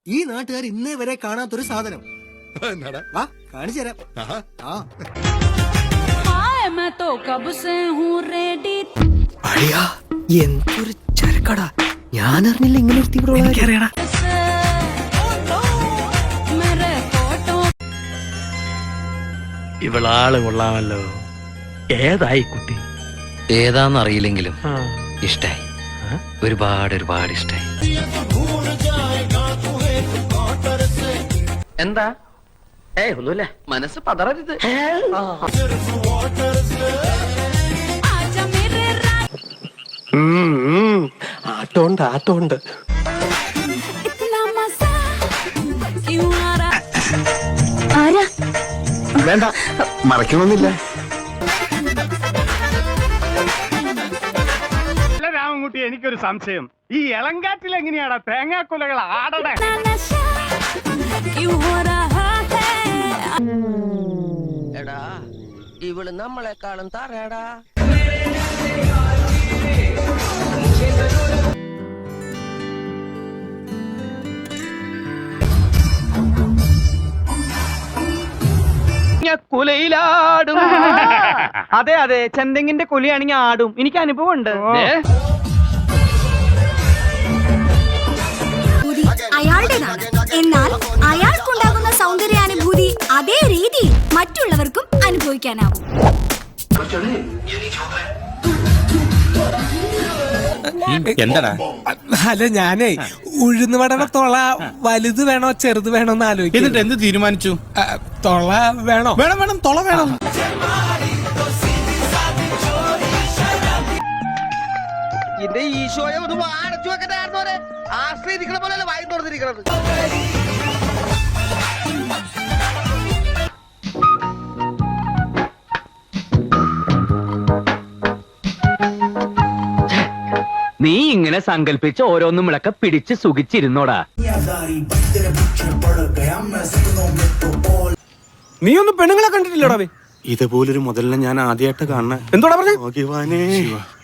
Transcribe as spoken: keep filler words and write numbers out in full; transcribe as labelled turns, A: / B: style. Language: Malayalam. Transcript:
A: ഈ നാട്ടുകാർ ഇന്നേ വരെ കാണാത്തൊരു സാധനം. വാ കാണിച്ചു തരാം.
B: എന്തൊരു ചരക്കടാ, ഞാൻ അറിഞ്ഞില്ല ഇങ്ങനെ ഒരു തീവ്രവാദം.
C: ഇവളാള് കൊള്ളാമല്ലോ. ഏതായി കുട്ടി?
B: ഏതാന്നറിയില്ലെങ്കിലും ഇഷ്ടായി, ഒരുപാട് ഒരുപാട് ഇഷ്ടായി.
C: എന്താ? ഏ ഒന്നുമില്ല, മനസ്സ് പതറരുത്.
D: ആട്ടോണ്ട് ആട്ടോണ്ട്
E: വേണ്ട, മറക്കണമെന്നില്ല.
F: രാമൻകുട്ടി, എനിക്കൊരു സംശയം. ഈ ഇളങ്കാറ്റിൽ എങ്ങനെയാടാ തേങ്ങാക്കൊലകൾ ആടണേ?
G: എടാ, ഇവള് നമ്മളെക്കാളും തറയടാ.
C: കുലയിലാടും. അതെ അതെ, ചെന്തെങ്ങിന്റെ കുലയാണെങ്കിൽ ആടും. എനിക്ക് അനുഭവം ഉണ്ട്.
H: അയാളുടേതാണ്. എന്നാൽ അയാൾക്കുണ്ടാകുന്ന സൗന്ദര്യാനുഭൂതി അതേ രീതിയിൽ മറ്റുള്ളവർക്കും അനുഭവിക്കാനാവും.
E: എന്താടാ?
D: അല്ല, ഞാനേ ഉഴുന്ന് വടണ തൊള വലുത് വേണോ ചെറുത് വേണോ എന്ന് ആലോചിക്കും.
E: എന്നിട്ട് എന്ത് തീരുമാനിച്ചു?
D: തൊള വേണോ?
E: വേണം വേണം, തൊള വേണം.
G: എന്റെ ഈശോയെ ഒന്ന് വാടച്ചു വെക്കണ്ടായിരുന്നോരെ. ആശ്രയിരിക്കണ പോലെ വായി തുറന്നിരിക്കണത്.
C: നീ ഇങ്ങനെ സങ്കല്പിച്ച് ഓരോന്നും വിളക്ക പിടിച്ച് സുഖിച്ചിരുന്നോടാ.
D: നീ ഒന്നും പെണ്ണുങ്ങളെ കണ്ടിട്ടില്ലടാ?
E: ഇതുപോലൊരു മുതലിനെ ഞാൻ ആദ്യമായിട്ട് കാണണ.
D: എന്തോടാ പറഞ്ഞേ?